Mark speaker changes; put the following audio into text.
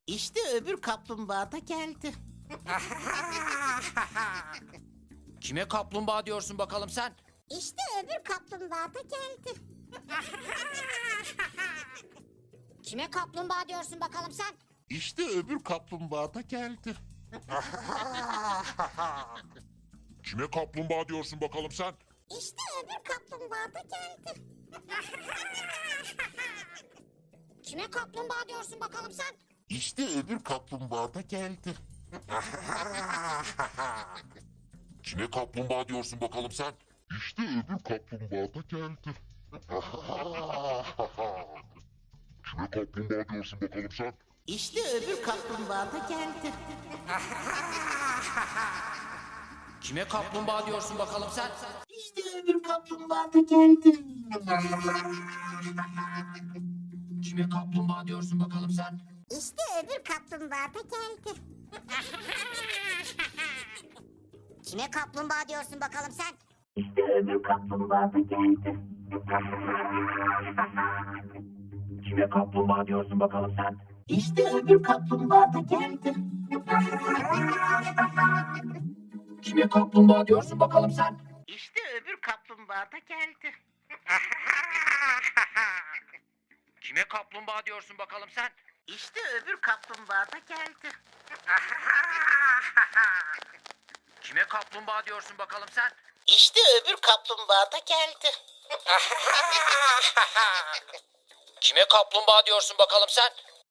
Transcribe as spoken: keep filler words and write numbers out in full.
Speaker 1: İşte öbür kaplumbağa da geldi.
Speaker 2: Kime kaplumbağa diyorsun bakalım sen?
Speaker 3: İşte öbür kaplumbağa da geldi. Kime kaplumbağa diyorsun bakalım sen?
Speaker 1: İşte öbür kaplumbağa da geldi.
Speaker 4: Kime kaplumbağa diyorsun bakalım sen?
Speaker 3: İşte öbür kaplumbağa da geldi. Kime kaplumbağa diyorsun bakalım sen?
Speaker 1: İşte öbür kaplumbağa da geldi.
Speaker 4: Kime kaplumbağa diyorsun bakalım sen? İşte öbür kaplumbağa da geldi. Kime kaplumbağa diyorsun bakalım sen?
Speaker 1: İşte öbür kaplumbağa da geldi.
Speaker 2: Kime kaplumbağa diyorsun bakalım sen?
Speaker 1: İşte öbür kaplumbağa da geldi.
Speaker 2: Kime kaplumbağa diyorsun bakalım sen?
Speaker 3: İşte öbür kaplumbağa da geldi. Kime kaplumbağa diyorsun bakalım sen?
Speaker 1: İşte öbür kaplumbağa da geldi.
Speaker 5: Kime kaplumbağa diyorsun bakalım sen?
Speaker 1: İşte öbür kaplumbağa da geldi.
Speaker 2: Kime kaplumbağa diyorsun bakalım sen?
Speaker 1: İşte öbür kaplumbağa da geldi.
Speaker 2: Kime kaplumbağa diyorsun bakalım sen?
Speaker 1: İşte öbür kaplumbağa da geldi.
Speaker 2: Kime kaplumbağa diyorsun bakalım sen?
Speaker 1: İşte öbür kaplumbağa da geldi.
Speaker 2: Kime kaplumbağa diyorsun bakalım sen?